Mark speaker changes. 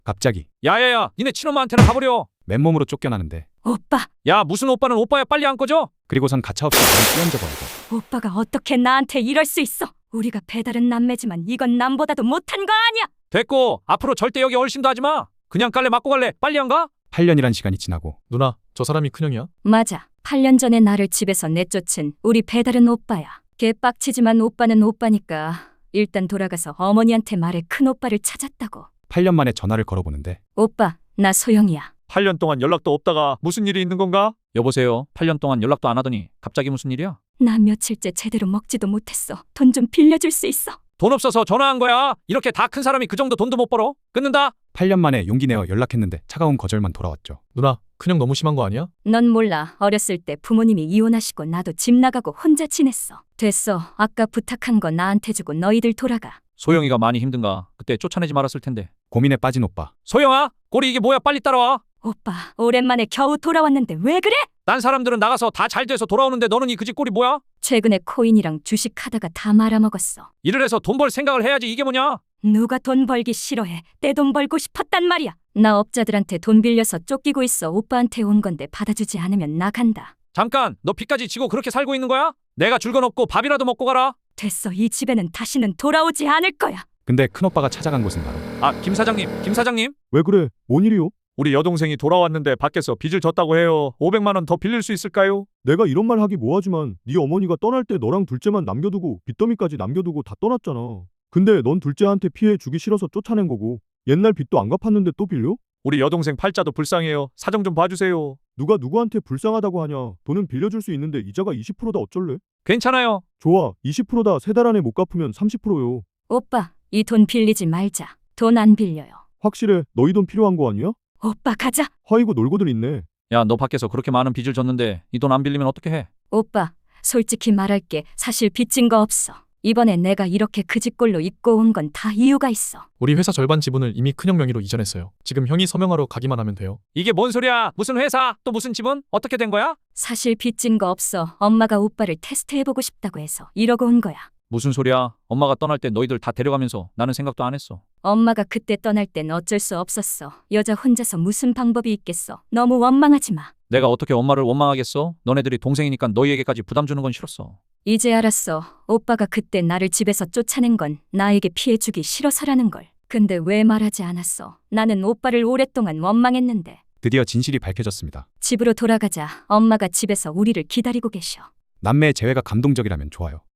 Speaker 1: 갑자기
Speaker 2: 야야야, 니네 친엄마한테는 가버려.
Speaker 1: 맨몸으로 쫓겨나는데
Speaker 3: 오빠,
Speaker 2: 야, 무슨 오빠는 오빠야. 빨리 안 꺼져.
Speaker 1: 그리고선 가차없이 바로 뛰어앉아버리고
Speaker 3: 오빠가 어떻게 나한테 이럴 수 있어? 우리가 배달은 남매지만 이건 남보다도 못한 거 아니야?
Speaker 2: 됐고, 앞으로 절대 여기 얼씬도 하지 마. 그냥 깔래 맞고 갈래. 빨리 안 가?
Speaker 1: 8년이란 시간이 지나고
Speaker 4: 누나, 저 사람이 큰형이야?
Speaker 3: 맞아. 8년 전에 나를 집에서 내쫓은 우리 배달은 오빠야. 개빡치지만 오빠는 오빠니까 일단 돌아가서 어머니한테 말해 큰 오빠를 찾았다고.
Speaker 1: 8년 만에 전화를 걸어보는데
Speaker 3: 오빠, 나 소영이야.
Speaker 2: 8년 동안 연락도 없다가 무슨 일이 있는 건가? 여보세요. 8년 동안 연락도 안 하더니 갑자기 무슨 일이야?
Speaker 3: 나 며칠째 제대로 먹지도 못했어. 돈 좀 빌려줄 수 있어?
Speaker 2: 돈 없어서 전화한 거야. 이렇게 다 큰 사람이 그 정도 돈도 못 벌어? 끊는다.
Speaker 1: 8년 만에 용기 내어 연락했는데 차가운 거절만 돌아왔죠.
Speaker 4: 누나, 큰형 너무 심한 거 아니야?
Speaker 3: 넌 몰라. 어렸을 때 부모님이 이혼하시고 나도 집 나가고 혼자 지냈어. 됐어. 아까 부탁한 거 나한테 주고 너희들 돌아가.
Speaker 2: 소영이가 많이 힘든가? 그때 쫓아내지 말았을 텐데.
Speaker 1: 고민에 빠진 오빠.
Speaker 2: 소영아, 꼴이 이게 뭐야? 빨리 따라와.
Speaker 3: 오빠, 오랜만에 겨우 돌아왔는데 왜 그래?
Speaker 2: 딴 사람들은 나가서 다 잘 돼서 돌아오는데 너는 이 그지 꼴이 뭐야?
Speaker 3: 최근에 코인이랑 주식 하다가 다 말아먹었어.
Speaker 2: 일을 해서 돈 벌 생각을 해야지. 이게 뭐냐?
Speaker 3: 누가 돈 벌기 싫어해. 내 돈 벌고 싶었단 말이야. 나 업자들한테 돈 빌려서 쫓기고 있어. 오빠한테 온 건데 받아주지 않으면 나간다.
Speaker 2: 잠깐, 너 빚까지 지고 그렇게 살고 있는 거야? 내가 줄 건 없고 밥이라도 먹고 가라.
Speaker 3: 됐어. 이 집에는 다시는 돌아오지 않을 거야.
Speaker 1: 근데 큰오빠가 찾아간 곳은 바로
Speaker 2: 아, 김 사장님, 김 사장님.
Speaker 5: 왜 그래? 뭔 일이요?
Speaker 2: 우리 여동생이 돌아왔는데 밖에서 빚을 졌다고 해요. 500만 원 더 빌릴 수 있을까요?
Speaker 5: 내가 이런 말 하기 뭐하지만 네 어머니가 떠날 때 너랑 둘째만 남겨두고 빚더미까지 남겨두고 다 떠났잖아. 근데 넌 둘째한테 피해 주기 싫어서 쫓아낸 거고 옛날 빚도 안 갚았는데 또 빌려?
Speaker 2: 우리 여동생 팔자도 불쌍해요. 사정 좀 봐주세요.
Speaker 5: 누가 누구한테 불쌍하다고 하냐. 돈은 빌려줄 수 있는데 이자가 20%다 어쩔래?
Speaker 2: 괜찮아요.
Speaker 5: 좋아. 20%다. 3달 안에 못 갚으면 30%요.
Speaker 3: 오빠, 이 돈 빌리지 말자. 돈 안 빌려요.
Speaker 5: 확실해. 너희 돈 필요한 거 아니야?
Speaker 3: 오빠 가자.
Speaker 5: 허이고 놀고들 있네.
Speaker 2: 야, 너 밖에서 그렇게 많은 빚을 졌는데 이 돈 안 빌리면 어떻게 해?
Speaker 3: 오빠, 솔직히 말할게. 사실 빚진 거 없어. 이번에 내가 이렇게 그 집꼴로 입고 온 건 다 이유가 있어.
Speaker 4: 우리 회사 절반 지분을 이미 큰형 명의로 이전했어요. 지금 형이 서명하러 가기만 하면 돼요.
Speaker 2: 이게 뭔 소리야? 무슨 회사? 또 무슨 지분? 어떻게 된 거야?
Speaker 3: 사실 빚진 거 없어. 엄마가 오빠를 테스트해보고 싶다고 해서 이러고 온 거야.
Speaker 2: 무슨 소리야? 엄마가 떠날 때 너희들 다 데려가면서 나는 생각도 안 했어.
Speaker 3: 엄마가 그때 떠날 땐 어쩔 수 없었어. 여자 혼자서 무슨 방법이 있겠어. 너무 원망하지 마.
Speaker 2: 내가 어떻게 엄마를 원망하겠어? 너네들이 동생이니까 너희에게까지 부담 주는 건 싫었어.
Speaker 3: 이제 알았어. 오빠가 그때 나를 집에서 쫓아낸 건 나에게 피해 주기 싫어서라는 걸. 근데 왜 말하지 않았어? 나는 오빠를 오랫동안 원망했는데.
Speaker 1: 드디어 진실이 밝혀졌습니다.
Speaker 3: 집으로 돌아가자. 엄마가 집에서 우리를 기다리고 계셔.
Speaker 1: 남매의 재회가 감동적이라면 좋아요.